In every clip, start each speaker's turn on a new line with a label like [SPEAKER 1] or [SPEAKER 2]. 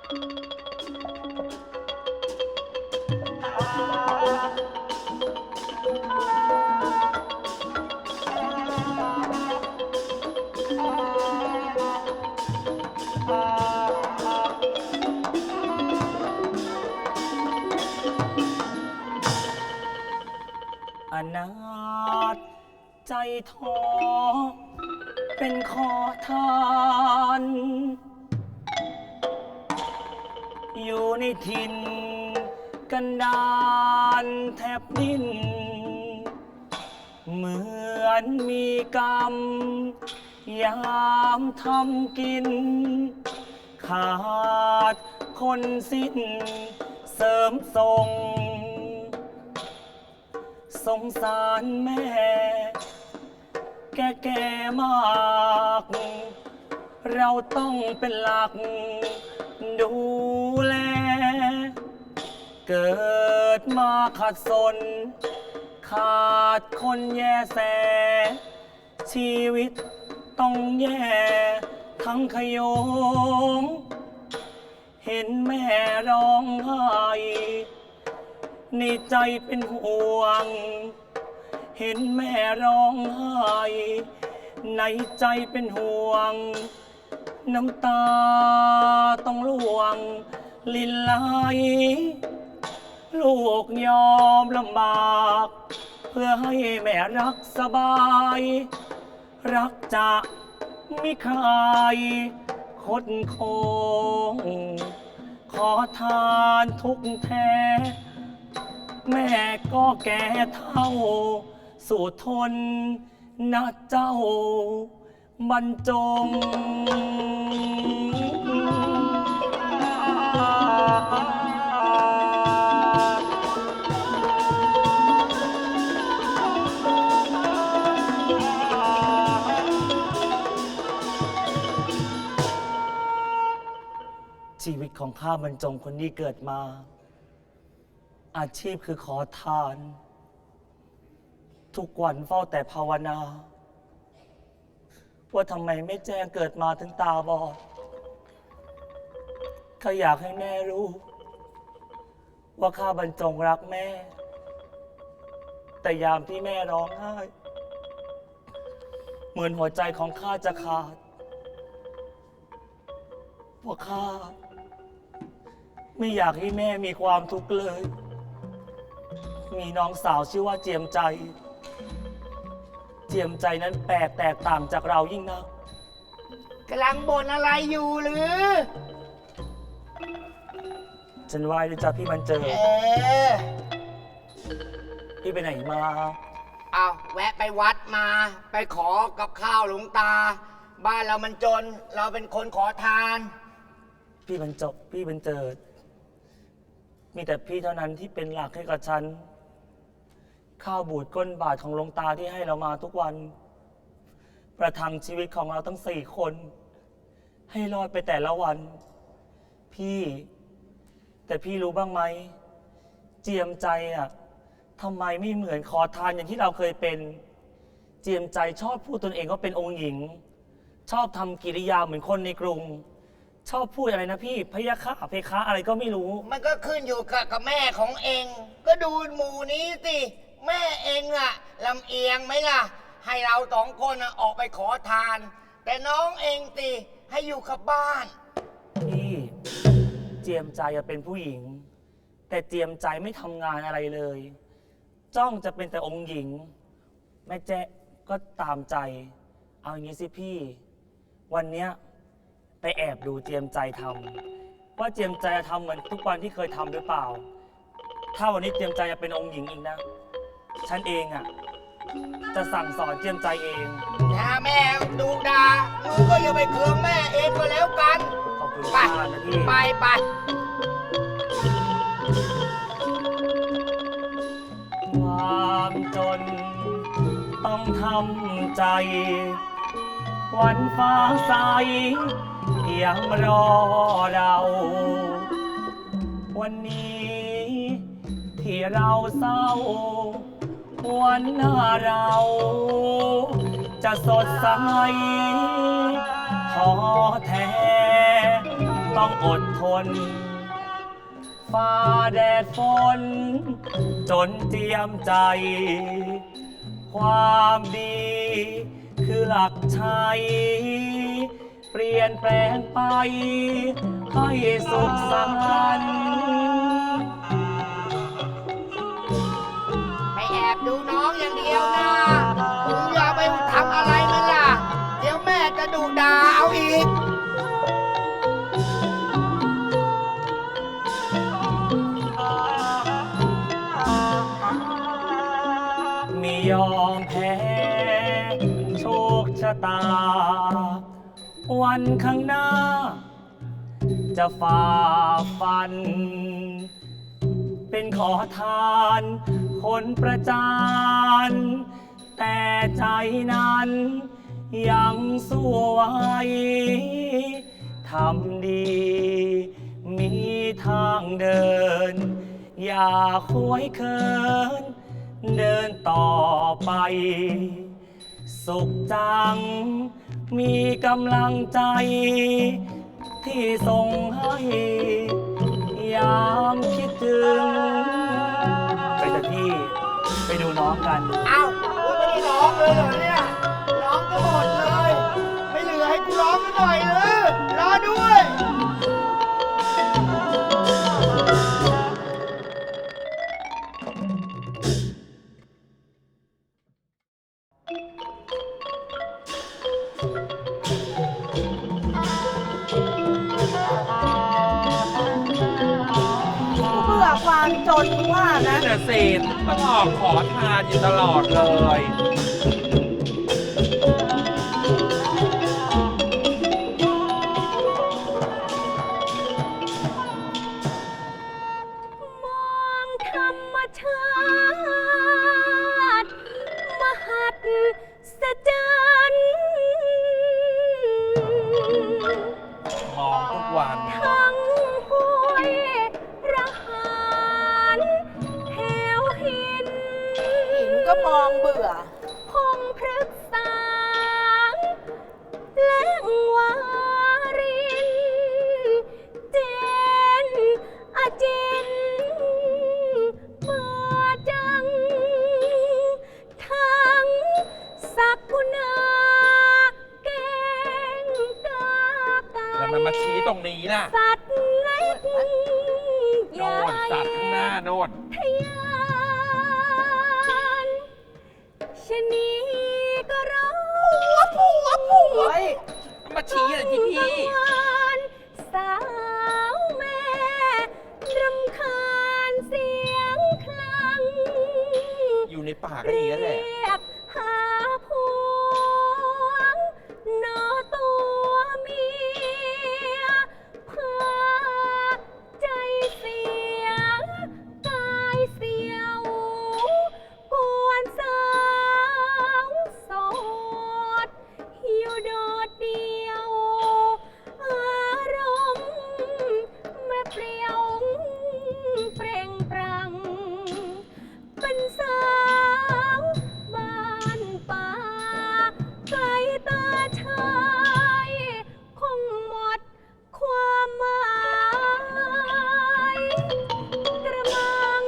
[SPEAKER 1] อนาถใจท้อเป็นขอทาน อยู่ในถิ่นกันดารแทบดิ้นเหมือนมีกรรมยามทำกิน ขาดคนสิ้นเสริมทรง สงสารแม่แก่มาก เราต้องเป็นหลักดูแล เกิดมาขัดสน ขาดคนแย่แส ชีวิตต้องแย่ทั้งขโยง เห็นแม่ร้องไห้ในใจเป็นห่วง เห็นแม่ร้องไห้ในใจเป็นห่วง น้ำตาต้องล่วงลินไหล ลูกยอมลำบาก เพื่อให้แม่รักสบาย รักจะไม่คลายคดโคง ขอทานทุกแท้ แม่ก็แก่เท่าสู่ทนนะเจ้าบรรจง ชีวิตของข้าบรรจงคนนี้เกิดมา อาชีพคือขอทาน ทุกวันเฝ้าแต่ภาวนา ว่าทำไมไม่แจ้งเกิดมาถึงตาบอดข้าอยากให้แม่รู้ ว่าข้าบรรจงรักแม่ แต่ยามที่แม่ร้องไห้ เหมือนหัวใจของข้าจะขาดเพราะข้าไม่อยากให้แม่มีความทุกข์เลย มีน้องสาวชื่อว่าเจียมใจ เจียมใจนั้นแปลกแตกต่างจากเรายิ่งนัก
[SPEAKER 2] กำลังบ่นอะไรอยู่หรือ
[SPEAKER 1] ฉันไหว้ด้วยจ้ะพี่มันเจอ
[SPEAKER 2] อ
[SPEAKER 1] พี่ไปไหนมา
[SPEAKER 2] เอาแวะไปวัดมา ไปขอกับข้าวหลวงตา บ้านเรามันจน เราเป็นคนขอทาน
[SPEAKER 1] พี่บรรจบพี่บรรเจิด มีแต่พี่เท่านั้นที่เป็นหลักให้กับฉัน ข้าวบูดก้นบาทของหลวงตาที่ให้เรามาทุกวัน ประทังชีวิตของเราทั้ง4 คน ให้รอดไปแต่ละวัน พี่แต่พี่รู้บ้างไหม เจียมใจอ่ะทำไมไม่เหมือนขอทานอย่างที่เราเคยเป็น เจียมใจชอบพูดตนเองว่าเป็นองค์หญิง ชอบทำกิริยาเหมือนคนในกรุง ชอบพูดอะไรนะพี่พะยะค่ะเพคะอะไรก็ไม่รู้
[SPEAKER 2] มันก็ขึ้นอยู่กับแม่ของเอง ก็ดูหมู่นี้สิ แม่เองอะลำเอียงไหมล่ะ ให้เรา2 คนอะออกไปขอทาน แต่น้องเองสิให้อยู่กับบ้าน
[SPEAKER 1] พี่เจียมใจอะเป็นผู้หญิง แต่เจียมใจไม่ทำงานอะไรเลย จ้องจะเป็นแต่องค์หญิง แม่แจ๊ก็ตามใจ เอาอย่างนี้สิพี่ วันเนี้ยไปแอบดูเจียมใจทำว่าเจียมใจจะทำเหมือนทุกวันที่เคยทำหรือเปล่า ถ้าวันนี้เจียมใจจะเป็นองค์หญิงอีกนะ ฉันเองอะจะสั่งสอนเจียมใจเอง
[SPEAKER 2] ถ้าแม่ดูดาหนูก็อย่าไปเคืองแม่เองก็แล้วกัน
[SPEAKER 1] ขอบคุณ
[SPEAKER 2] ไป
[SPEAKER 1] มากนะพี่
[SPEAKER 2] ไป
[SPEAKER 1] ความจนต้องทำใจ วันฟ้าใสยังรอเรา วันนี้ที่เราเศร้า วันหน้าเราจะสดใสท้อแท้ต้องอดทนฝ่าแดดฝนจนเจียมใจ ความดีคือหลักชัย เปลี่ยนแปลงไปให้สุขสันต์
[SPEAKER 2] ไปแอบดูน้องอย่างเดียวนะมึงอย่าไปทำอะไรมันล่ะ เดี๋ยวแม่จะดุด่าเอาอีก
[SPEAKER 1] ไม่ยอมแพ้โชคชะตา วันข้างหน้า จะฝ่าฟัน เป็นขอทานคนประจาน แต่ใจนั้น ยังสู้ไว้ทำดี มีทางเดิน อย่าควยเคิน เดินต่อไป สุขจัง มีกำลังใจ ที่ส่งให้ ยามคิดถึง ไปเถอะพี่ ไปดูน้องกัน
[SPEAKER 2] เอ้ากูไม่ได้ร้องเลยเหรอเนี่ย ร้องก็หมดเลย ไม่เหลือให้กูร้องสักหน่อยเลยรอด้วย
[SPEAKER 3] เบื่อความจนว่านะ
[SPEAKER 4] นั่นน่ะสิต้องออกขอทานอยู่ตลอดเลย
[SPEAKER 3] มองธรรมชาติมหัศจรรย์
[SPEAKER 4] มองทุกวัน
[SPEAKER 3] ทั้งห้วยระหารแถวหิน
[SPEAKER 5] หินก็มองเบื่อ
[SPEAKER 3] พงพฤกษาและวาริน เจนอาจินเบื่อจัง ทั้งสักกุณาเก่งกากา
[SPEAKER 4] แล้วมันมาชี้ตรงนี้ล่ะ
[SPEAKER 3] สัตว์เล็ก
[SPEAKER 4] โน่นสัตว์ข้างหน้าโน่น
[SPEAKER 3] ทะยานชะนีก็ร้อง
[SPEAKER 5] เฮ้ย
[SPEAKER 4] มาชี้อะไรที่พี่
[SPEAKER 3] สาวแม่รำคาญเสียงคลัง
[SPEAKER 4] อยู่ในป่าก็อย่างนี้แหละ
[SPEAKER 3] เรียกหาพวงนอตัวเมียเพื่อใจเสียกายเสียวกวนสาวโสดอยู่โดดเดียว อารมณ์แม่เปรี้ยวเปร่งปรัง เป็นสาวบ้านป่าไกลตาชายคงหมดความหมายกระมัง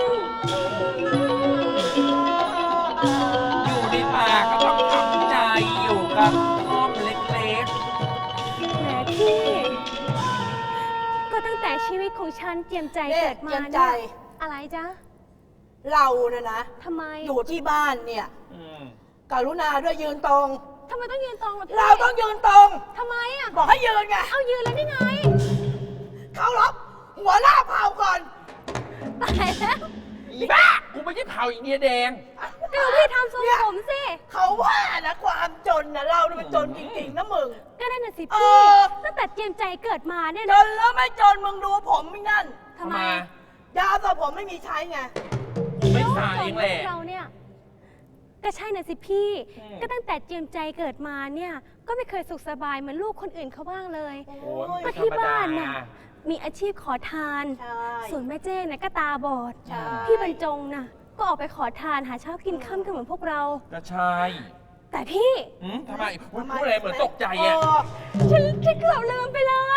[SPEAKER 4] อยู่ในป่าก็ต้องทำใจอยู่กับห้อมเล็ก
[SPEAKER 3] แหมพี่ ก็ตั้งแต่ชีวิตของฉันเจียมใจ
[SPEAKER 5] เนี่ย
[SPEAKER 3] เกิดมา
[SPEAKER 5] เจียมใจ
[SPEAKER 3] เนี่ยอะไรจ๊ะ
[SPEAKER 5] เรานะนะ
[SPEAKER 3] ทำไม
[SPEAKER 5] อยู่ที่บ้านเนี่ย
[SPEAKER 4] ๆอืม
[SPEAKER 5] กรุณาด้วยยืนตรง
[SPEAKER 3] ทำไมต้องยืนตรงล่ะพี่
[SPEAKER 5] เราต้องยืนตรง
[SPEAKER 3] ทำไมอ่ะ
[SPEAKER 5] บอกให้ยืนไง
[SPEAKER 3] เอายืนแล้วนี่ไง
[SPEAKER 5] เขารบหัวหน้าเผ่าก่อน
[SPEAKER 3] ตายแล้ว
[SPEAKER 4] อีบ้า กูไม่ใช่เผาอีเดียแดง
[SPEAKER 3] ก็ดูพี่ทำทรงผมสิ
[SPEAKER 5] เขาว่านะความจนนะเราเนี่ยมันจนจริงๆนะมึง
[SPEAKER 3] ก็นั่นน่ะสิ
[SPEAKER 5] เอ
[SPEAKER 3] พี่
[SPEAKER 5] อ
[SPEAKER 3] ตั้งแต่เจียมใจเกิดมาเนี่ย
[SPEAKER 5] จ
[SPEAKER 3] นะ
[SPEAKER 5] นแล้วไม่จนมึงดูผมไม่นั่น
[SPEAKER 3] ทำไม
[SPEAKER 5] ยาสระผมไม่มีใช้ไง
[SPEAKER 4] กูไม่สายเองแหละ
[SPEAKER 3] เราเนี่ย ก็ใช่น่ะสิพี่
[SPEAKER 4] อืม
[SPEAKER 3] ก็ตั้งแต่เจียมใจเกิดมาเนี่ย ก็ไม่เคยสุขสบายเหมือนลูกคนอื่นเขาบ้างเลย
[SPEAKER 4] โอ้ย
[SPEAKER 3] ก็
[SPEAKER 4] ไม่ธร
[SPEAKER 3] ที่
[SPEAKER 4] รมดา
[SPEAKER 3] บ้านน่ะ มีอาชีพขอทาน
[SPEAKER 5] ใช่
[SPEAKER 3] ส่วนแม่เจ้เนี่ยก็ตาบอด
[SPEAKER 5] ใช่
[SPEAKER 3] พี่บรรจงน่ะ ก็ออกไปขอทานหาเช้ากินค่ำกันเหมือนพวกเรา
[SPEAKER 4] ก็ใช่
[SPEAKER 3] แต่พี่
[SPEAKER 4] ทำไมอุ๊ยพูดอะไรเหมือนตกใจอ่ะ
[SPEAKER 3] ฉันเกือบลืมไปเลย
[SPEAKER 5] ทำไม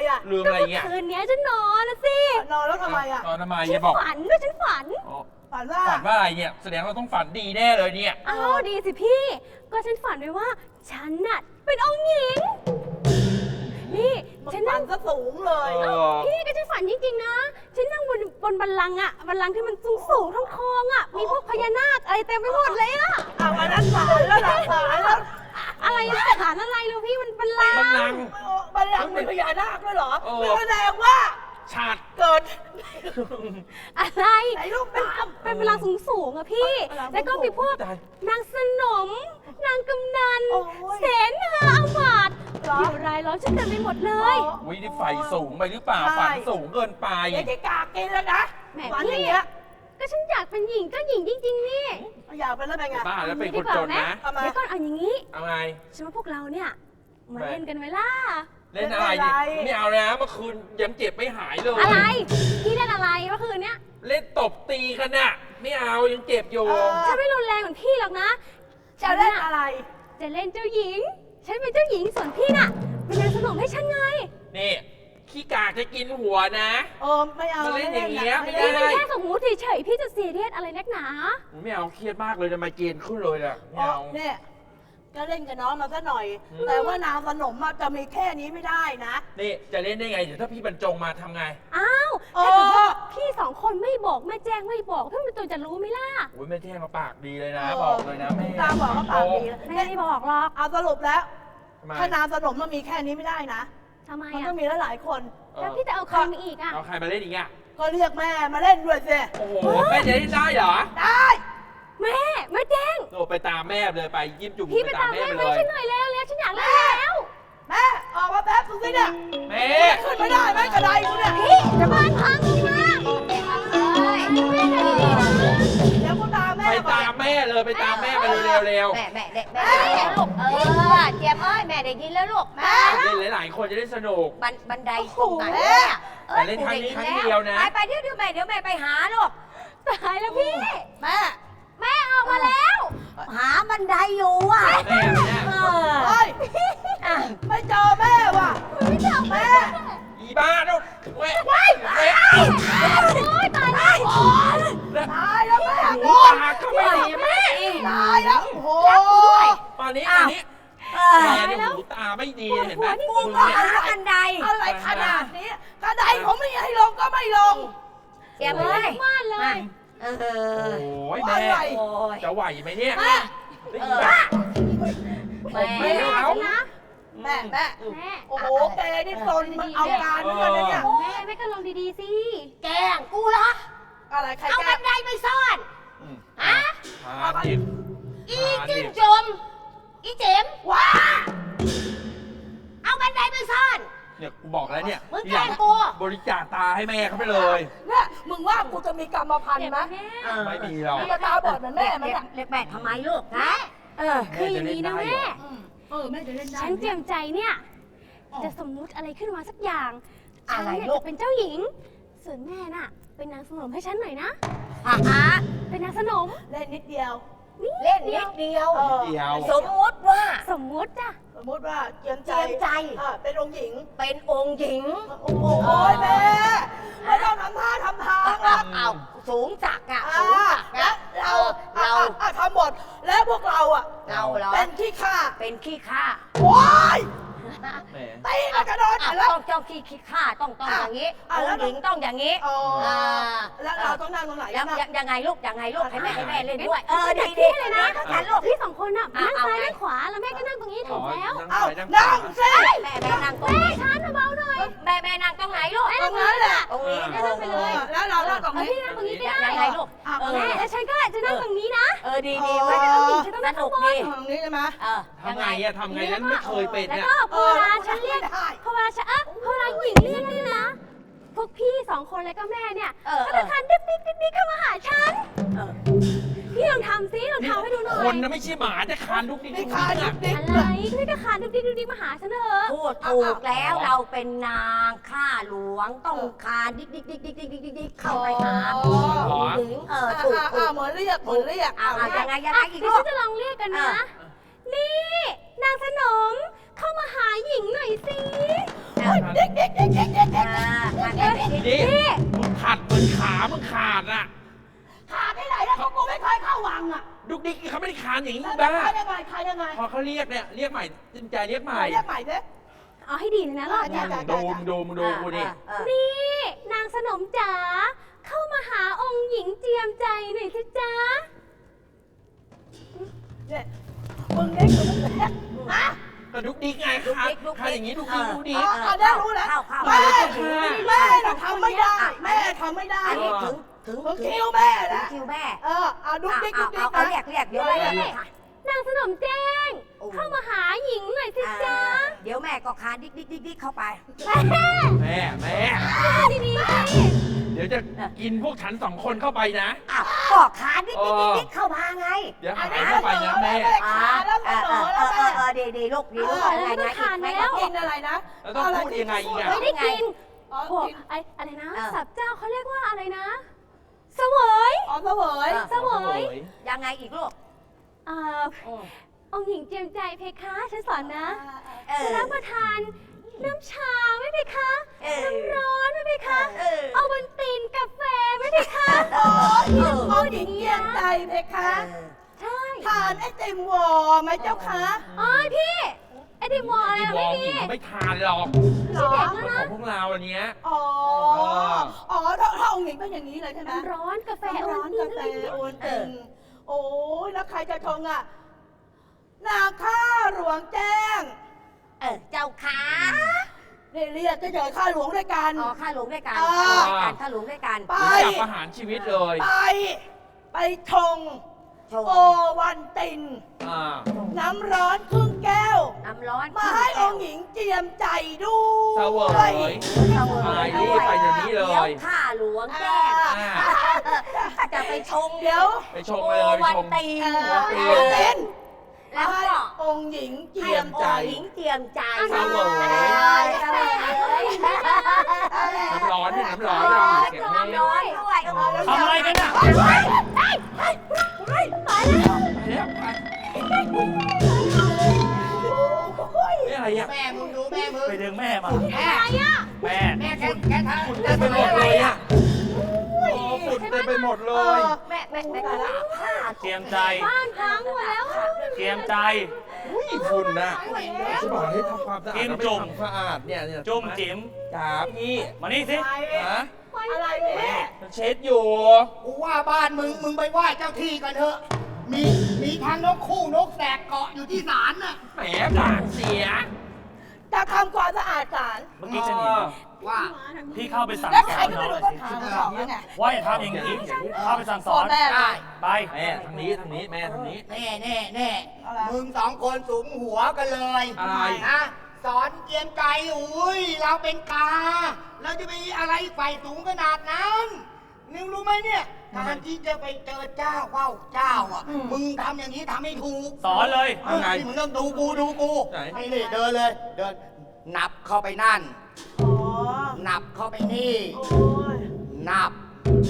[SPEAKER 5] อ่ะ
[SPEAKER 4] ลืม
[SPEAKER 3] ก็
[SPEAKER 4] อะไร
[SPEAKER 3] เมื่อ
[SPEAKER 4] เงี้ย
[SPEAKER 3] คืนเนี้ยฉันนอนนะสิ
[SPEAKER 5] นอนแล้วทำไมอ่ะ
[SPEAKER 4] ตอนทำไม
[SPEAKER 3] ฉั
[SPEAKER 4] อย่าบอก
[SPEAKER 3] ฝันด้วยฉันฝัน
[SPEAKER 4] อ๋อ
[SPEAKER 5] ฝันว่า
[SPEAKER 4] ฝันว่าอะไรเนี่ยแสดงว่าต้องฝันดีแน่เลยเนี่ย
[SPEAKER 3] อ้าวดีสิพี่ ก็ฉันฝันไว้ว่า ฉันน่ะเป็นองค์หญิง นี่
[SPEAKER 5] ฉั
[SPEAKER 3] ฉั
[SPEAKER 5] น
[SPEAKER 3] น
[SPEAKER 5] นั่
[SPEAKER 3] นั่
[SPEAKER 5] ง
[SPEAKER 3] ง
[SPEAKER 5] ก็สูงเลย
[SPEAKER 4] เออ
[SPEAKER 3] พี่ก็ฉันฝันจริงๆนะ ฉันนั่งบนบัลลังก์อะบัลลังก์ที่มันสูงทองๆอะมีพวกพญานาคอะไรเต็มไปหมดเลยอะ
[SPEAKER 5] เอาวันนั้นฝันแล้วหลับฝันแล้ว
[SPEAKER 3] อะไรฐานอะไรลูกพี่มันบัลลัง
[SPEAKER 4] บัล
[SPEAKER 3] ก์
[SPEAKER 4] ลังก์
[SPEAKER 5] บัลลังก์เป็นพญานาคด้วยเหรอ
[SPEAKER 4] เออ
[SPEAKER 5] ไม่แสดงว่า
[SPEAKER 4] ชาติ
[SPEAKER 5] เกิด
[SPEAKER 3] อะไร
[SPEAKER 5] ไหนลูกตาม
[SPEAKER 3] เป็นบัลลังก์สูงๆอะพี่
[SPEAKER 5] บัลลังก์สูง
[SPEAKER 3] แล้วก็มีพวก
[SPEAKER 4] ตาย
[SPEAKER 3] นางสนม นางกำนัน
[SPEAKER 5] โอ้ย
[SPEAKER 3] เสนาอามาตย์
[SPEAKER 5] เหรอ
[SPEAKER 3] อยู่รายล้อมฉันเต็มไปหมดเลย
[SPEAKER 4] วินี่ไฟสูงไปหรือเปล่า
[SPEAKER 5] ใช่
[SPEAKER 4] ฝันสูงเกินไป
[SPEAKER 5] เดี๋ยวจะกากกินแล้วนะ
[SPEAKER 3] แหม
[SPEAKER 5] ฝันอ
[SPEAKER 3] พี่
[SPEAKER 5] ย่างเงี้ย
[SPEAKER 3] ก็ฉันอยากเป็นหญิงก็หญิงจริงๆนี่
[SPEAKER 5] อยากเป็นแล้วเป็นไง
[SPEAKER 4] บ้าแล้วเป็นคนจนนะ
[SPEAKER 5] ทำไม
[SPEAKER 3] เดี๋ยวก่อนเอาอย่างนี้
[SPEAKER 4] เอาไง
[SPEAKER 3] ฉันว่าพวกเราเนี่ยมา
[SPEAKER 4] ไป
[SPEAKER 3] เล่นกันไหมล่ะ
[SPEAKER 4] เล่นอะไรดิไม่เอานะเมื่อคืนยังเจ็บไม่หายเลย
[SPEAKER 3] อะไร พี่เล่นอะไรเมื่อคืนเนี้ย
[SPEAKER 4] เล่นตบตีกันน่ะไม่เอายังเจ็บอยู่
[SPEAKER 3] ฉันไม่รุนแรงเหมือนพี่หรอกนะ
[SPEAKER 5] จะเล่นอะไร
[SPEAKER 3] จะเล่นเจ้าหญิง ฉันเป็นเจ้าหญิงส่วนพี่น่ะเป็นนางสนมให้ฉันไง
[SPEAKER 4] นี่ขี้กากจะกินหัวนะ
[SPEAKER 5] ไม่เอา
[SPEAKER 4] มาเล่นอย่างเงี้ยไม่ได้
[SPEAKER 3] นี่มันแค่สมมุติเฉยๆพี่จะซีเรียสอะไรนักหนา
[SPEAKER 4] ไม่เอาเครียดมากเลยจะมาเกณฑ์ขึ้นเลยอ่ะไม่เอา
[SPEAKER 5] เนี่ยก็เล่นกับน้องมาซะหน่อย
[SPEAKER 4] อืม
[SPEAKER 5] แต่ว่านางสนมอะจะมีแค่นี้ไม่ได้นะ
[SPEAKER 4] นี่จะเล่นได้ไงเดี๋ยวถ้าพี่บรรจงมาทำไง
[SPEAKER 3] อ้าว
[SPEAKER 5] เออ
[SPEAKER 3] ถ้าเกิดว่าพี่สองคนไม่บอกไม่แจ้งไม่บอกพี่มันตัวจะรู้ไหมล่ะ
[SPEAKER 4] โอ้ยแม่แท่งมาปากดีเลยนะ
[SPEAKER 5] เออ
[SPEAKER 4] บอกเลยนะแม่
[SPEAKER 5] ตามบอกว่าปากดี
[SPEAKER 3] แม่ไม่บอกหรอก
[SPEAKER 5] เอาสรุปแล้ว
[SPEAKER 4] ทำไม
[SPEAKER 5] ถ้านางสนมมันมีแค่นี้ไม่ได้นะ
[SPEAKER 3] ทำไม
[SPEAKER 5] มัน
[SPEAKER 3] อ่ะ
[SPEAKER 5] ต้องมีหลายๆคน
[SPEAKER 3] แล้วพี่จะเอาใครมาอีกอ่ะ
[SPEAKER 4] เอาใครมาเล่นอีกอ่ะ
[SPEAKER 5] ก็เรียกแม่มาเล่นด้วยสิ
[SPEAKER 4] โอ้โหแม่จะเล่นได้เหรอ
[SPEAKER 5] ได้
[SPEAKER 3] แม่ไม่แจ้ง
[SPEAKER 4] โอ้ไปตามแม่เลยไปยิ้มจุ่ม
[SPEAKER 3] พี่
[SPEAKER 4] ไป
[SPEAKER 3] ไป
[SPEAKER 4] ตา
[SPEAKER 3] ตาม ม
[SPEAKER 4] แม่
[SPEAKER 3] แม่
[SPEAKER 4] ไป
[SPEAKER 3] แม่
[SPEAKER 4] เลย
[SPEAKER 3] ฉันหน่อยแล้วฉันอยากเล่นแล้ว
[SPEAKER 5] แม่ออกมาแป๊บนึงสิเนี่ย
[SPEAKER 4] แม่
[SPEAKER 5] ขึ้นไม่ได้แม่กระไดกูเนี่ย
[SPEAKER 3] พี่จะบ้านพังเลยนะ
[SPEAKER 5] เดี๋ยวกูตามแม่
[SPEAKER 4] ไป
[SPEAKER 5] ก่อ
[SPEAKER 4] ตาน มแม่เลยไปตามแม่ไปเร็ว
[SPEAKER 6] แม่แม่เด็กแม่ลูกเจี๊ยบเอ้ยแม่ได้ยินแล้วลูกแม่
[SPEAKER 4] ๆเล่นหลายๆคนจะได้สนุก
[SPEAKER 6] บันไดตรงไหนเนี่ย
[SPEAKER 4] แต่เล่นครั้งนี้ครั้งเดียวนะ
[SPEAKER 6] ไปเดี๋ยวแม่ไปหาลูก
[SPEAKER 3] ตายแล้วพี่
[SPEAKER 5] แม่
[SPEAKER 3] แม่ออกมาแล้ว
[SPEAKER 6] หาบันไดอยู่อ่ะ
[SPEAKER 4] แม่แม่
[SPEAKER 5] เฮ้ยไม่เจอแม่ว่ะ
[SPEAKER 3] ไม่เจอแม่
[SPEAKER 4] อีบ้าลูกแม่แม่
[SPEAKER 3] โอ๊ยตายแล้ว
[SPEAKER 5] ตายแล้วแม่
[SPEAKER 4] หูตาก็ไม่ดีแม่
[SPEAKER 5] ตายแล้วโอ้โห
[SPEAKER 4] ตอนนี้แม่เนี่ยหูตาไม่ดีเห็นไหม
[SPEAKER 6] กูก็หาบันได
[SPEAKER 5] อะไรขนาดนี้กระไดผมไม่ให้ลงก็ไม่ลง
[SPEAKER 6] เจี๊ยบเอ้ย
[SPEAKER 3] บ้านเลย
[SPEAKER 6] เอ
[SPEAKER 4] โอ้
[SPEAKER 6] อย
[SPEAKER 4] แม่
[SPEAKER 5] อะไร
[SPEAKER 6] โอ้ย
[SPEAKER 4] จะไหวไหมเนี่ย
[SPEAKER 5] แม่
[SPEAKER 6] แม่
[SPEAKER 4] ไม่เอา
[SPEAKER 3] นะ
[SPEAKER 5] แม่
[SPEAKER 3] แม่
[SPEAKER 5] โอ้โหแกนี่ซนมันเอาการเหมือนกันนะเนี่ย
[SPEAKER 3] แม่ก็ลงดีๆสิ
[SPEAKER 6] แกล้งกูเหรอ
[SPEAKER 5] อะไรใคร
[SPEAKER 6] เอา
[SPEAKER 5] แก
[SPEAKER 6] บันไดไปซ่อน ฮะ
[SPEAKER 4] พาดิบ
[SPEAKER 6] อีจิ้มจมอีเจม
[SPEAKER 5] ว้า
[SPEAKER 6] เอาบันไดไปซ่อน
[SPEAKER 4] เนี่ยกูบอกแล้วเนี่ย
[SPEAKER 6] มึงแกล้งกู
[SPEAKER 4] บริจาคตาให้แม่เขาไปเลย
[SPEAKER 5] เนี่ยมึงว่ากูจะมีกรรมพันธุ์ไหม
[SPEAKER 4] ไม่มีหรอก
[SPEAKER 5] มึงจะตาบอดเหมือนแม่มันอ่ะ
[SPEAKER 6] เรียกแม่ทำไมลูกฮะ
[SPEAKER 3] คืออย่างนี้นะแม่
[SPEAKER 5] แม่จะเล่นได้
[SPEAKER 3] ฉันเตรียมใจเนี่ย จะสมมุติอะไรขึ้นมาสักอย่าง
[SPEAKER 6] อะไร
[SPEAKER 3] ฉันเนี่ย
[SPEAKER 6] ลูก
[SPEAKER 3] จะเป็นเจ้าหญิง ส่วนแม่น่ะ เป็นนางสนมให้ฉันหน่อยนะ
[SPEAKER 6] ฮะ
[SPEAKER 3] เป็นนางสนม
[SPEAKER 5] เล่นนิดเดียว
[SPEAKER 6] เล่นนิดเดียว
[SPEAKER 4] เดียว
[SPEAKER 6] สมมุติว่า
[SPEAKER 3] สมมุติจ้ะ
[SPEAKER 5] สมมติว่าเจียมใจ
[SPEAKER 6] เจียมใจ
[SPEAKER 5] เป็นองค์หญิง
[SPEAKER 6] เป็นองค์หญิง
[SPEAKER 5] โอ้โหแม่ไม่ต้องทำท่าทำทางนะ
[SPEAKER 6] เอาสูงจักอะสูงจัก
[SPEAKER 5] แล้
[SPEAKER 6] นะ
[SPEAKER 5] วเรา
[SPEAKER 6] เรา
[SPEAKER 5] ทำหมดแล้วพวกเราอ่ะ
[SPEAKER 6] เราเหรอ
[SPEAKER 5] เป็นขี้ข้า
[SPEAKER 6] เป็นขี้ข้า
[SPEAKER 5] โอ้ย
[SPEAKER 4] แหม
[SPEAKER 5] ตีกันกระโดด
[SPEAKER 6] อ่ะ
[SPEAKER 5] แล้ว
[SPEAKER 6] ต้องเจ้าขี้ข้าต้องอย่างนี้
[SPEAKER 5] อ่ะ
[SPEAKER 6] อ
[SPEAKER 5] แล้ว
[SPEAKER 6] งค์หญิงต้องอย่างนี้
[SPEAKER 5] อ๋อ
[SPEAKER 6] อ่า
[SPEAKER 5] แล้วเราต้องนั่งตรงไหน
[SPEAKER 6] ยัง
[SPEAKER 5] นะ
[SPEAKER 6] ยังไงลูกยังไงลูกให้แม่เล่นด้วย
[SPEAKER 3] ฉัน
[SPEAKER 6] ดี
[SPEAKER 3] จัดที่เลยนะ
[SPEAKER 6] ฉันลูก
[SPEAKER 3] พี่สองคนน่ะ
[SPEAKER 6] อ่ะ
[SPEAKER 3] นั่งซ้าย
[SPEAKER 6] เอาไง
[SPEAKER 3] นั่งขวา แล้วแม่ก็นั่งตรงนี้ถูกแล้ว
[SPEAKER 5] เอ้า
[SPEAKER 4] นั่
[SPEAKER 5] นั่
[SPEAKER 4] ง
[SPEAKER 5] งสิ
[SPEAKER 6] แม่นั่งตรง
[SPEAKER 3] แม่
[SPEAKER 6] นี้
[SPEAKER 3] ช้าเบาๆหน่อย
[SPEAKER 6] แม่นั่งตรงไหนลูก
[SPEAKER 5] ตรงนั้นแหละ
[SPEAKER 6] ตรงนี้
[SPEAKER 3] แม่นั่งไปเลย
[SPEAKER 5] แล้วเรานั่งตรง
[SPEAKER 3] เอา
[SPEAKER 5] นี้
[SPEAKER 3] พี่นั่งตรงนี้ก็
[SPEAKER 6] ยัง
[SPEAKER 3] ได้
[SPEAKER 6] ไงลูก
[SPEAKER 3] แม่แล้วฉันก็จะนั่งตรงนี้นะ
[SPEAKER 6] ดี
[SPEAKER 5] อ๋อ
[SPEAKER 6] ไว้
[SPEAKER 3] ฉันต้องนั่งข้างบน
[SPEAKER 5] ตรงนี้ใช่ไหม
[SPEAKER 4] ทำไงอะทำไงนั้นไม่เคยเป็น
[SPEAKER 3] แล้ว
[SPEAKER 4] เนี่ย
[SPEAKER 3] ก็พอเวลาฉันเรียก
[SPEAKER 5] ไม่ได้
[SPEAKER 3] พอเวลาฉันพอเวลาหญิงเรียกนี่นะ พวกพี่สองคนแล้วก็แม่เนี่ย ก็จะทานดิ๊กเข้ามาหาฉัน พี่ลองทำซิลองทำให้ดูหน่อย
[SPEAKER 4] คนนะไม่ใช่หมาแต่คานลุกนี่
[SPEAKER 5] นี่
[SPEAKER 4] ลุก
[SPEAKER 5] คา
[SPEAKER 4] นี่
[SPEAKER 5] ดิ
[SPEAKER 4] อะ
[SPEAKER 5] กดิก
[SPEAKER 3] อะไรพี่ก็คานดิ๊กมาหาฉันเถอะ
[SPEAKER 6] พูดถูกแล้วเราเป็นนางข้าหลวงต้องคานดิ๊กเข้าไปหาผู้หญิงถูก
[SPEAKER 5] เหมือนเรียกเหมือนเรียก
[SPEAKER 6] ยังไงอีก
[SPEAKER 3] เดี๋ยว
[SPEAKER 6] ลู
[SPEAKER 3] ฉั
[SPEAKER 6] ก
[SPEAKER 3] นจะลองเรียกกันนะ นี่ นางสนมเข้ามาหาหญิงหน่อยสิ
[SPEAKER 5] เด็ก
[SPEAKER 4] นี่มึงขัดเหมือนขามึงขาดอ่ะ
[SPEAKER 5] ขาดที่ไหนแล้วกูไม่เคยเข้าวังอ่ะ
[SPEAKER 4] ดุกดิกเขาไม่ได้คานอย่างนี้
[SPEAKER 5] แล้ว
[SPEAKER 4] บ้า
[SPEAKER 5] ขายยังไงขายยังไง
[SPEAKER 4] พอเขาเรียกเนี่ยเรียกใหม่จริงใจเรียกใหม่
[SPEAKER 5] เรียกใหม่สิ
[SPEAKER 3] เอาให้ดีเลยนะรอบเนี้ย
[SPEAKER 4] ดูกูนี่
[SPEAKER 3] นี่นางสนมจ๋าเข้ามาหาองค์หญิงเจียมใจหน่อยสิจ๊ะ
[SPEAKER 5] เนี่ยมึงเด็กหรือมึงเล็กฮะ
[SPEAKER 4] ก็ดุกดิกไงคานอย่างนี้ดุกดิกดุกดิก
[SPEAKER 5] เอาได้รู้แล้ว
[SPEAKER 6] เข้า
[SPEAKER 5] แม่แม่น่ะทำไม่ได้ แม่ทำไม่ได้
[SPEAKER 6] อันนี้ถึง
[SPEAKER 5] ถึงคิวแม่แล้ว
[SPEAKER 6] คิวแม่
[SPEAKER 5] เอาดุ๊กดิ๊กดุ๊กดิ๊ก
[SPEAKER 6] เอาเรียกเดี๋ยวแม่
[SPEAKER 3] นางสนมแจ้ง เข้ามาหาหญิงหน่อยสิจ๊ะ
[SPEAKER 6] เดี๋ยวแม่ก็คานดิ๊กเข้าไป
[SPEAKER 3] แม่
[SPEAKER 4] แม่
[SPEAKER 3] ดีๆ
[SPEAKER 4] เดี๋ยวจะกินพวกฉัน2 คนเข้าไปนะ
[SPEAKER 6] อ้าวก็คานดิ๊กเข้ามาไง
[SPEAKER 4] เดี๋ยวหายเข้าไปนะแม่
[SPEAKER 5] ขาแล้วเสนอแล้วแม่
[SPEAKER 6] ดีลูกอะไรไงแม่ก็
[SPEAKER 5] กินอะไรนะ
[SPEAKER 4] แล้วต้องพูดยังไงอีกอ่ะ
[SPEAKER 3] ไม่ได้กิน
[SPEAKER 5] อ๋อ
[SPEAKER 3] พวก
[SPEAKER 5] กิน
[SPEAKER 3] อะไรนะ
[SPEAKER 6] เออ
[SPEAKER 3] สับเจ้าเขาเรียกว่าอะไรนะเสวย
[SPEAKER 5] อ๋อเสวย
[SPEAKER 3] เสวย
[SPEAKER 6] ยังไงอีกลูก
[SPEAKER 3] องค์หญิงเจียมใจเพคะฉันสอนนะ
[SPEAKER 6] เออ
[SPEAKER 3] จะรับประทานน้ำชาไหมเพคะ
[SPEAKER 6] เออ
[SPEAKER 3] น้ำร้อนไหมเพคะ
[SPEAKER 6] เออ
[SPEAKER 3] เอาบนตีนกาแฟไหมเพคะ
[SPEAKER 5] อ๋อพ่อหญิงเยี่ยมใจเพคะ
[SPEAKER 3] ใช่
[SPEAKER 5] ทานไอติมวอไหมเจ้าคะ
[SPEAKER 3] อ๋อพี่ไอติมวอล
[SPEAKER 4] ที่
[SPEAKER 3] อะ
[SPEAKER 4] วอ
[SPEAKER 3] ไม่
[SPEAKER 4] ล
[SPEAKER 3] มี
[SPEAKER 4] กินเขาไม่ทานหรอก
[SPEAKER 5] หรอ
[SPEAKER 4] เหมือนของพวกเราอันเนี้ย
[SPEAKER 5] อ๋อถ้าองค์หญิงเป็นอย่างนี้เลยใช่ไหม
[SPEAKER 3] น้ำร้อนกาแฟ
[SPEAKER 5] ร้อนกาแฟโอนติงโอ้ยแล้วใครจะชงอ่ะนาข้าหลวงแจ้ง
[SPEAKER 6] เจ้าขา
[SPEAKER 5] เรียกเฉยๆข้าหลวงด้วยกัน
[SPEAKER 6] อ๋อข้าหลงด้วยกัน ข้าหลงด้วยกัน
[SPEAKER 5] ไป
[SPEAKER 4] จับประหารชีวิตเลย
[SPEAKER 5] ไปชง
[SPEAKER 6] ชง
[SPEAKER 5] โอวันติน
[SPEAKER 4] อ่า
[SPEAKER 5] น้ำร้อนครึ่งแก้ว
[SPEAKER 6] น้ำร้อน
[SPEAKER 5] มาให้องค์หญิงเจียมใจด้
[SPEAKER 4] เส
[SPEAKER 5] ว
[SPEAKER 4] วย
[SPEAKER 5] ย
[SPEAKER 4] ไปรีบไปเดี๋ยวนี้เลย
[SPEAKER 6] ข้าหลวงแจ้ง
[SPEAKER 4] อ่า
[SPEAKER 6] จะไปชง
[SPEAKER 5] เดี๋ยว
[SPEAKER 4] ไปชงเลยไป
[SPEAKER 6] วัน
[SPEAKER 4] ชง
[SPEAKER 6] ตี
[SPEAKER 5] โอวันติน
[SPEAKER 6] แล้ว
[SPEAKER 5] ให้
[SPEAKER 6] ก็
[SPEAKER 5] องค์หญิงเจียม
[SPEAKER 4] ใจ
[SPEAKER 6] หญิงเจียมใจ
[SPEAKER 4] เสวย น้ำร้อนนี่น้ำร้อนเราเก็บให้
[SPEAKER 6] น้ำร้อนด้วย
[SPEAKER 1] ทำอะไรกันน่ะ
[SPEAKER 4] เนี่ยไปอะไรอ่ะ
[SPEAKER 2] แม่มึงดูแม่มึง
[SPEAKER 1] ไปดึงแม่มา
[SPEAKER 2] แม่
[SPEAKER 3] อะไรอ่ะ
[SPEAKER 1] แม่
[SPEAKER 2] แม่แกทำ
[SPEAKER 4] ฝุ่นเต็มไปหมดเลยอ่ะโอ้ฝุ่นเต็มไปหมดเลย
[SPEAKER 6] แม่ก็ลาผ้า
[SPEAKER 1] เตรียมใจ
[SPEAKER 3] บ้านพังหมดแล้ว
[SPEAKER 1] เตรียมใจ
[SPEAKER 4] อุ้ยฝุ่นนะจะบอกให้ทำความสะอาด
[SPEAKER 1] จิ้ม
[SPEAKER 4] แล้วไม่
[SPEAKER 1] จุ่ม
[SPEAKER 4] ทำสะอาดเนี่ยเนี่ย
[SPEAKER 1] จุ่มจิ๋ม
[SPEAKER 4] จ๋าพี่
[SPEAKER 1] มานี่สิ
[SPEAKER 4] ฮะ
[SPEAKER 5] อะไรเนี่ย
[SPEAKER 4] มันเช็ดอยู่
[SPEAKER 2] กูว่าบ้านมึงไปไหว้เจ้าที่กันเถอะ มีทางนกคู่นกแสกเกาะอยู่ที่ศาลน่ะ
[SPEAKER 4] แหมปากเสีย
[SPEAKER 5] จะทำความสะอาดศาล
[SPEAKER 1] เมื่อกี้ฉันเห็น
[SPEAKER 2] ว่า
[SPEAKER 1] พี่เข้าไปสั่ง
[SPEAKER 5] แล้ว
[SPEAKER 1] ส
[SPEAKER 5] ใคร
[SPEAKER 1] อน
[SPEAKER 5] ก็
[SPEAKER 1] น้
[SPEAKER 5] ไม่
[SPEAKER 1] อง
[SPEAKER 5] รู้
[SPEAKER 1] หน่อย
[SPEAKER 5] ต้อ
[SPEAKER 1] สิ
[SPEAKER 5] งถามเขาไง
[SPEAKER 1] ว่าอย่าทำอย่างนี้เข้าไปสั่งสอน
[SPEAKER 5] แม่
[SPEAKER 2] ได้
[SPEAKER 1] ไป
[SPEAKER 4] แม่ทางนี้แม่ทางนี้
[SPEAKER 2] แน่มึง2 คนสูงหัวกันเลย
[SPEAKER 4] อะไร
[SPEAKER 2] นะสอนเจียมใจอุ้ยเราเป็นตา เราจะไปอะไรไฟสูงขนาดนั้นนึงรู้ไหมเนี่ยการที่จะไปเจอเจ้าเข้าเจ้าอ่ะ มึงทำอย่างนี้ทำไม่ถูก
[SPEAKER 1] สอนเลย
[SPEAKER 4] ยังไง
[SPEAKER 2] นี่มึงต้องดูกู
[SPEAKER 4] ไหน
[SPEAKER 2] ไอ้นี่เดินเลย เดิน นับเข้าไปนั่น
[SPEAKER 5] อ๋อ
[SPEAKER 2] นับเข้าไปนี่
[SPEAKER 5] โอ้ย
[SPEAKER 2] นับ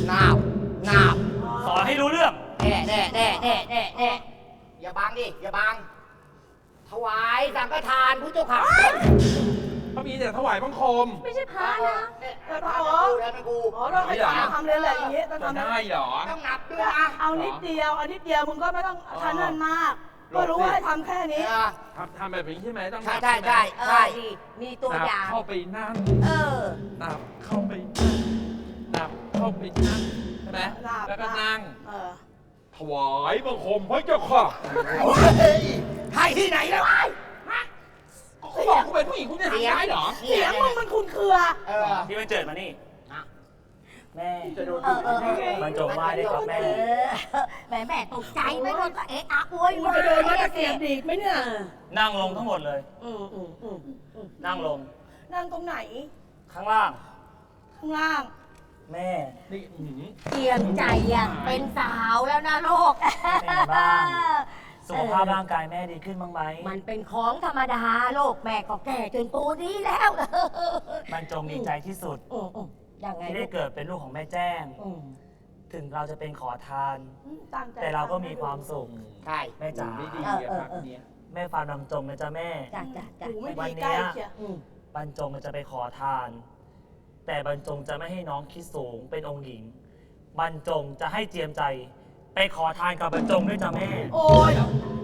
[SPEAKER 1] สอนให้รู้เรื่อง
[SPEAKER 2] แน่อย่าบังดิ อย่าบัง ถวายสังฆทานพุทธเจ้าค่ะ
[SPEAKER 4] เขามีแต่ถวายบังคม
[SPEAKER 3] ไม่ใช่พระนะ
[SPEAKER 2] ทำกู
[SPEAKER 5] อ๋อต้องให้ทำเลยแหละอย่างนี้ต้อง
[SPEAKER 4] จะ
[SPEAKER 5] ทำ
[SPEAKER 4] ได้เหรอ
[SPEAKER 2] ต้องนับด้วยนะ
[SPEAKER 5] เอานิดเดียวมึงก็ไม่ต้องทันนั่นมาก
[SPEAKER 4] หล
[SPEAKER 5] ก็
[SPEAKER 4] บสิ
[SPEAKER 5] รู้ว่าให้ทำแค่นี้
[SPEAKER 4] ทำแบบนี้ใช่ไหมต้อง
[SPEAKER 2] ใช่
[SPEAKER 4] นับ
[SPEAKER 2] ใช่
[SPEAKER 4] ไหม
[SPEAKER 2] ใช่
[SPEAKER 6] ดีมีตัว
[SPEAKER 4] นับ
[SPEAKER 6] อย่าง
[SPEAKER 4] เข้าไปนั่ง นับเข้าไปนั่งนับเข้าไปนั่งใช่ไหม
[SPEAKER 5] นับ
[SPEAKER 4] แล้วก็นั่ง
[SPEAKER 5] เออ
[SPEAKER 4] ถวายบังคมพระเจ้าค่ะ
[SPEAKER 2] ใครที่ไหนแล้ว
[SPEAKER 4] เขาบอกเขาเป็นผู้หญิงคุณจะทำได้เหรอ
[SPEAKER 5] เสียงมึงมันคุ้นเครือ
[SPEAKER 1] พี่มันเจิดมานี่ แม่
[SPEAKER 4] จะโดน
[SPEAKER 1] มันจงไหว้ได้ครับแม่
[SPEAKER 6] แม่ตกใจไหมลูกเอ๊ะอะโวย
[SPEAKER 5] มึงจะเดินมาตะเกียบดีดไหมเนี่ย
[SPEAKER 1] นั่งลงทั้งหมดเลย นั่งลง
[SPEAKER 5] นั่งตรงไหน
[SPEAKER 1] ข้างล่าง
[SPEAKER 5] ข้างล่าง
[SPEAKER 1] แม่
[SPEAKER 4] นี่อื้อหือ
[SPEAKER 6] เจียมใจอ่ะเป็นสาวแล้วนะลูก
[SPEAKER 1] เป็นไงบ้าง สุขภาพร่างกายแม่ดีขึ้นบ้างไหม
[SPEAKER 6] มันเป็นของธรรมดาลูกแม่ก็แก่จนปูนี้แล้ว
[SPEAKER 1] มันจงดีใจที่สุด
[SPEAKER 6] ยังไง
[SPEAKER 1] ที่
[SPEAKER 6] ลู
[SPEAKER 1] ได้
[SPEAKER 6] ก
[SPEAKER 1] เกิดเป็นลูกของแม่แจ้ง ถึงเราจะเป็นขอทาน
[SPEAKER 5] ตั้งใจ
[SPEAKER 1] แต่เราก็มีความสุข
[SPEAKER 2] ใช่
[SPEAKER 1] แม่จ๋า
[SPEAKER 4] ไม่ดีอะพักเนี้ย
[SPEAKER 1] แม่ฟาร์มลำจงนะจ๊ะแม่
[SPEAKER 6] จ้ะจ้ะจ้ะ
[SPEAKER 5] หูไม่
[SPEAKER 1] วั
[SPEAKER 5] ดี
[SPEAKER 1] นเนี้ย
[SPEAKER 5] ใกล้เชียว
[SPEAKER 6] อืม
[SPEAKER 1] บรรจงจะไปขอทาน แต่บรรจงจะไม่ให้น้องคิดสูงเป็นองค์หญิง บรรจงจะให้เจียมใจ ไปขอทานกับบรรจงด้วยจ้ะแม่
[SPEAKER 5] โอ้ย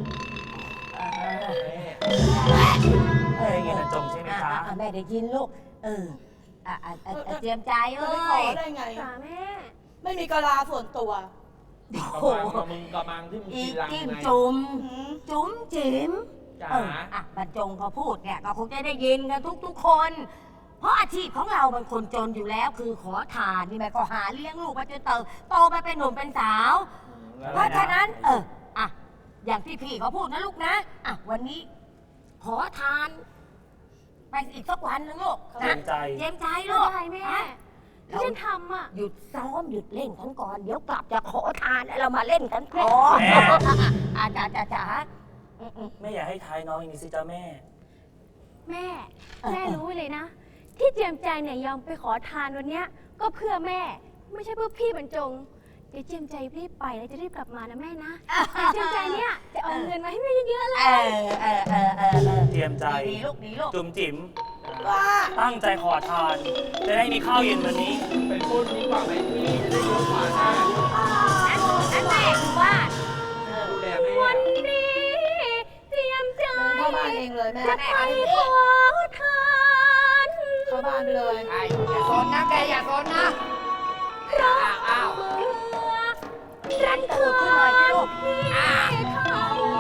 [SPEAKER 1] ได้ยินบรรจงใช่ไหมจ๊ะ
[SPEAKER 6] แม่ได้ยินลูก เตรียมใจ
[SPEAKER 5] จะ
[SPEAKER 6] เอ้
[SPEAKER 5] ไปขอย ได้ไง
[SPEAKER 3] จ๋าแม่
[SPEAKER 5] ไม่มีกะลาส่วนตัว
[SPEAKER 6] โอ้
[SPEAKER 4] ก
[SPEAKER 6] โห
[SPEAKER 4] ระมังกระมังที่มึง
[SPEAKER 6] อี
[SPEAKER 4] กินรัง
[SPEAKER 6] จิ้ม
[SPEAKER 4] ไง
[SPEAKER 6] จุ่ม
[SPEAKER 5] หืม
[SPEAKER 6] จุ๋มจิ๋ม
[SPEAKER 4] จ๋า
[SPEAKER 6] บรรจงเขาพูดเนี่ยก็คงจะได้ยินกันทุกคน เพราะอาชีพของเราเป็นคนจนอยู่แล้วคือขอทานนี่แม่ก็หาเลี้ยงลูกมาจนโตไปเป็นหนุ่มเป็นสาว เพราะฉะนั้น อย่างที่พี่เขาพูดนะลูกนะ วันนี้ ขอทาน ไปอีกสักวันนึงลูก
[SPEAKER 1] เจียมใจ
[SPEAKER 6] เจียมใจ
[SPEAKER 3] ไม่
[SPEAKER 6] ลูก
[SPEAKER 3] ได้แม่
[SPEAKER 6] ฮะ
[SPEAKER 3] ที่ฉันทำอ่ะ
[SPEAKER 6] หยุดซ้อมหยุดเล่นกันก่อน เดี๋ยวกลับจะขอทานแล้วเรามาเล่นกันต่อ
[SPEAKER 1] แม่
[SPEAKER 6] จ๋า
[SPEAKER 1] แม่อย่าให้ท้ายน้องอย่างนี้สิจ๊ะแม่
[SPEAKER 3] แม่ แม่รู้ไว้เลยนะ ที่เจียมใจเนี่ยยอมไปขอทานวันเนี้ย ก็เพื่อแม่ ไม่ใช่เพื่อพี่บรรจง เดี๋ยวเจียมใจรีบไปแล้วจะรีบกลับมานะแม่นะเดี๋ยวเจียมใจเนี่ยจะเอาเงินมาให้แม่เยอะๆเลย
[SPEAKER 1] เจียมใจ
[SPEAKER 6] ดีลูกดีลูก
[SPEAKER 1] จุ๋มจิ๋ม
[SPEAKER 5] ว่า
[SPEAKER 1] ตั้งใจขอทาน จะได้มีข้าวเย็นวันนี้
[SPEAKER 4] ไปพูดดีกว่าไหมพี่จะได้เยอะกว่านะ
[SPEAKER 6] นั่นแม่คือว่า
[SPEAKER 4] ดูแลแม่
[SPEAKER 3] วันนี้เจียมใจ
[SPEAKER 5] เข้าบ้านเองเลยแม่
[SPEAKER 3] จะไปขอทาน
[SPEAKER 5] เข้าบ้านไปเลย
[SPEAKER 2] ไอ้อย่าโซนนะแกอย่าโซนนะ
[SPEAKER 3] เพราะ
[SPEAKER 2] อ้าว
[SPEAKER 3] เมื่อรันคืนพี่เขา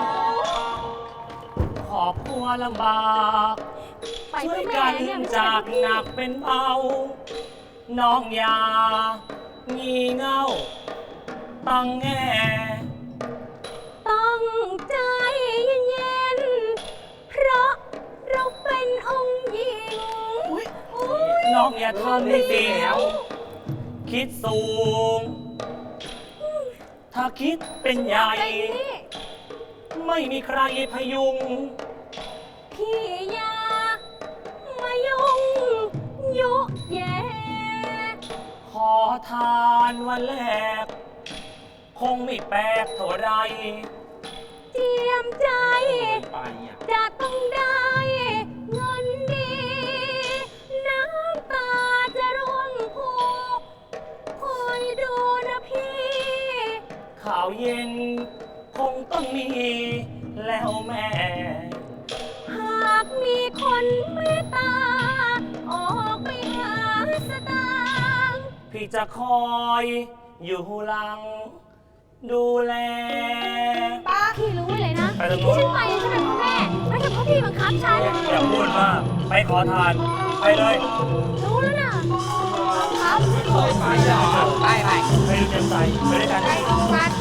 [SPEAKER 1] ขอบครัวลำบาก
[SPEAKER 3] ไป
[SPEAKER 1] ช่ว
[SPEAKER 3] เพื่
[SPEAKER 1] ย
[SPEAKER 3] อแม่
[SPEAKER 1] กัน
[SPEAKER 3] เนี่ยไม่ใช่
[SPEAKER 1] จาก
[SPEAKER 3] เพื่อ
[SPEAKER 1] ห
[SPEAKER 3] พี่
[SPEAKER 1] นักเป็นเบา น้องอยางีเง่า ตั้งแง่
[SPEAKER 3] ต้องใจเย็นๆเพราะเราเป็นองค์หญิง
[SPEAKER 5] อุ๊ย
[SPEAKER 3] อุ๊ย
[SPEAKER 1] น้องอย่าทำให้เสียวคิดสูง ถ้าคิดเป็นใหญ่
[SPEAKER 3] ใจนี่
[SPEAKER 1] ไม่มีใครพยุง
[SPEAKER 3] พี่อย่ามายุ่งยุแย่
[SPEAKER 1] ขอทานวันแรก คงไม่แปลกเท่าไร
[SPEAKER 3] เจียมใจ
[SPEAKER 4] ไปอ่ะ
[SPEAKER 3] จะต้องได้เงินดี น้ำตาจะร่วงผูกคอยดูนะพี่
[SPEAKER 1] ข่าวเย็นคงต้องมีแล้วแม่
[SPEAKER 3] หากมีคนเมตตา ออกไปหาสตางค์
[SPEAKER 1] พี่จะคอยอยู่หลัง ดูแล
[SPEAKER 5] ป้า
[SPEAKER 3] พี่รู้ไว้เลยนะ
[SPEAKER 1] ไปตรงนู้
[SPEAKER 3] ที่
[SPEAKER 1] น
[SPEAKER 3] ฉันไปฉันเป็นเพราะแม่ ไม่ใช่เพราะพี่บังคับฉัน
[SPEAKER 1] อย่าพูดมากไปขอทาน ไปเลย
[SPEAKER 3] รู้แล้วนะบังคับ
[SPEAKER 4] เคยไปเหรอ
[SPEAKER 2] ไป
[SPEAKER 1] ไปดูเต็มใจไปด้วยกัน
[SPEAKER 2] ไปโรงพยาบาล